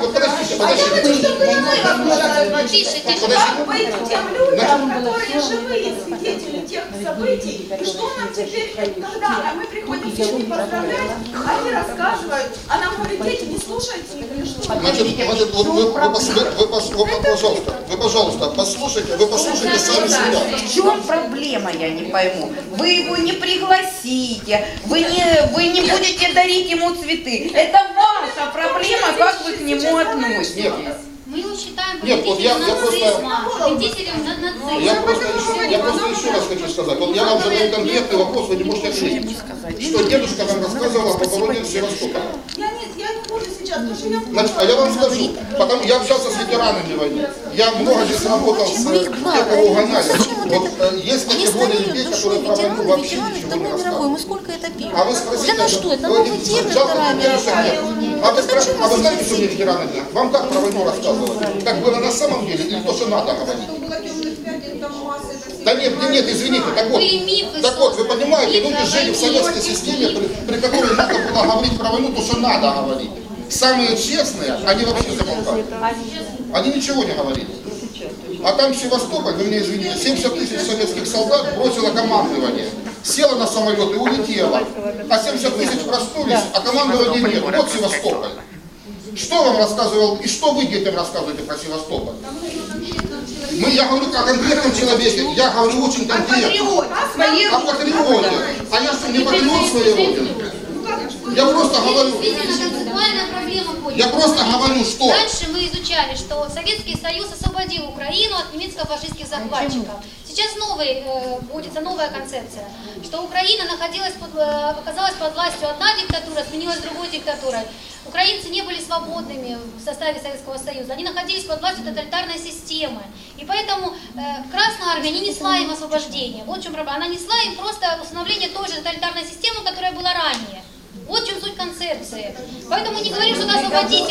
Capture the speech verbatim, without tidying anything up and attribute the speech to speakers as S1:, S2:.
S1: вот подождите, подождите.
S2: Тише, тише.
S3: Как быть тем людям, которые живые свидетели тех событий, и что нам теперь, когда мы приходим их поздравлять, они рассказывают, а нам говорят, дети, не слушайте их или что?
S1: Значит, значит вот вы, вы, пос- вы, вы, пос- вы, пожалуйста, вы, пожалуйста, послушайте, вы послушайте сами себя.
S4: В чем проблема, я не пойму. Вы его не пригласите, вы не, вы не будете дарить ему цветы. Это ваша проблема, как вы к нему относитесь.
S1: Нет.
S2: Мы его считаем
S1: Нет, вот я- я просто-
S2: нацизма, победителем над нацизмом.
S1: Я просто, еще, я просто еще раз хочу сказать. Вот я вам задаю конкретный вопрос, вы не можете ответить. Что дедушка вам рассказывала по поводу Севастополя?
S3: Я не, я не буду сейчас, потому что я...
S1: Значит, а я вам скажу, потому я общался с ветеранами войны. Я много здесь работал с э, тех, кого угоняли. Вот э, есть категория людей, которые про войну вообще ничего не рассказывают.
S5: Мы сколько это пьем?
S1: А вы спросите,
S5: Для нас что, это
S1: вы-
S5: новый термин,
S1: жалко,
S5: Вторая
S1: дедушек
S5: мировая?
S1: нет. А вы, спра- а вы знаете, что мне ветераны говорят? Вам как про войну рассказывали? Как было на самом деле или то, что надо говорить? Да нет, нет, нет, извините, так вот,
S2: Были мифы
S1: так вот, вы
S2: созданы,
S1: понимаете,
S2: мифы
S1: люди
S2: о
S1: жили в
S2: войне.
S1: советской системе, при, при которой надо было говорить про войну, то, что надо говорить. Самые честные, они вообще замолкали. Они ничего не говорили. А там Севастополь, вы меня извините, семьдесят тысяч советских солдат бросило командование. Села на самолет и улетела. А семьдесят тысяч проснулись, а командования нет. Вот Севастополь. Что вам рассказывал, и что вы детям рассказываете про Севастополь? Мы, я говорю о конкретном человеке, я говорю очень конкретно. О патриоте. А я что, не патриот своей родины? Я просто говорю,
S2: Действительно, концептуальная проблема будет.
S1: я просто говорю, что...
S2: Раньше мы изучали, что Советский Союз освободил Украину от немецко-фашистских захватчиков. Сейчас новый, э, вводится новая концепция, что Украина находилась под, э, оказалась под властью одна диктатура, сменилась другой диктатурой. Украинцы не были свободными в составе Советского Союза, они находились под властью тоталитарной системы. И поэтому э, Красная Армия не несла им освобождения. Вот в чем проблема. Она несла им просто установление той же тоталитарной системы, которая была ранее. Вот в чем суть концепции. Поэтому не говорим, что надо освободить.